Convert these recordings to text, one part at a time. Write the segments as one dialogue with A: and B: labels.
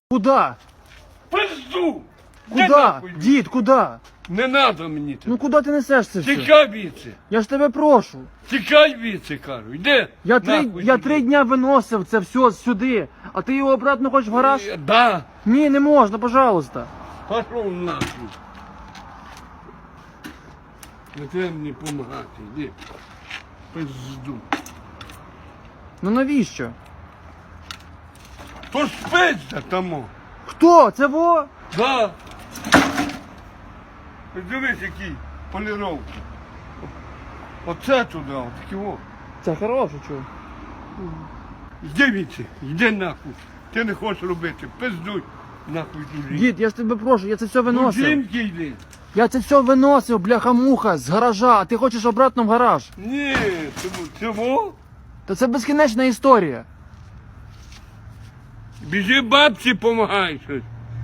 A: Куда?
B: Пизду!
A: Куда? Дід, куда?
B: Не надо мені це.
A: Ну куди ти несеш це все?
B: Тікай віце.
A: Я ж тебе прошу.
B: Тікай віце, кажу. Йди.
A: Я
B: нахуй,
A: три дня виносив це все сюди, а ти його обратно хочеш в гараж?
B: Да.
A: Ні, не можна, пожалуйста.
B: Пошов нахуй. Не треба мені допомагати, йди. Пизду.
A: Ну навіщо?
B: То ж пизда тому.
A: Хто? Це во?
B: Да. Дивись, які поліровки. Оце туди, отакі о.
A: Це хороше, чого?
B: Йди віце, йди нахуй. Ти не хочеш робити, пиздуй нахуй туди.
A: Дід, я ж тебе прошу, я це все
B: Ну,
A: виносив.
B: жінки йди.
A: Я це все виносив, бляха-муха, з гаража, а ти хочеш обратно в гараж.
B: Ні, цього.
A: Та це безкінечна історія.
B: Біжи бабці, помагай щось.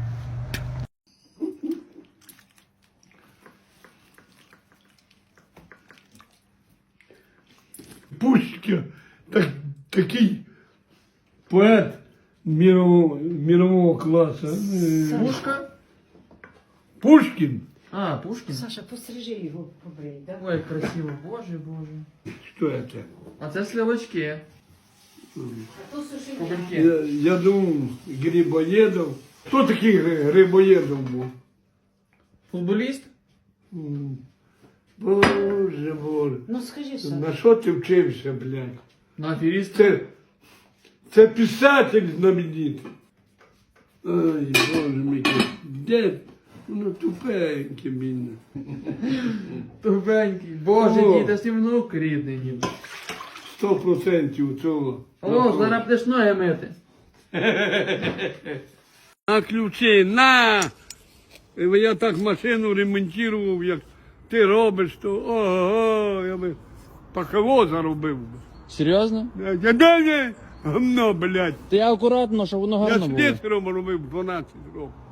B: Пушкін, такий поет мирового класу.
A: Пушка?
B: Пушкін.
A: А, Пушкін?
C: Саша, пострижи його, побрий, да?
A: Ой, красиво, боже, боже.
B: Що це?
A: А це сливочки.
C: А то суши.
A: Кубельки.
B: Я думав, Грибоєдов. Хто такий Грибоєдов був?
A: Футболіст?
B: Боже, Боже.
C: Ну скажи, Саша.
B: На що ти вчився, блядь?
A: На аферіст?
B: Це писатель знаменитий. Ой, Боже мій, де? Воно тупеньке, бідне.
A: Тупенький. Боже,
B: О.
A: дід, а сім внук рідний, дід.
B: 100% цього.
A: О, зараз будеш ноги мити.
B: На ключі, на! Я так машину ремонтував, як ти робиш, то ого, я би парковоза робив.
A: Серйозно?
B: Я гамно, блядь.
A: Ти акуратно, щоб воно
B: Я
A: гарно було.
B: слесарем робив 12 років.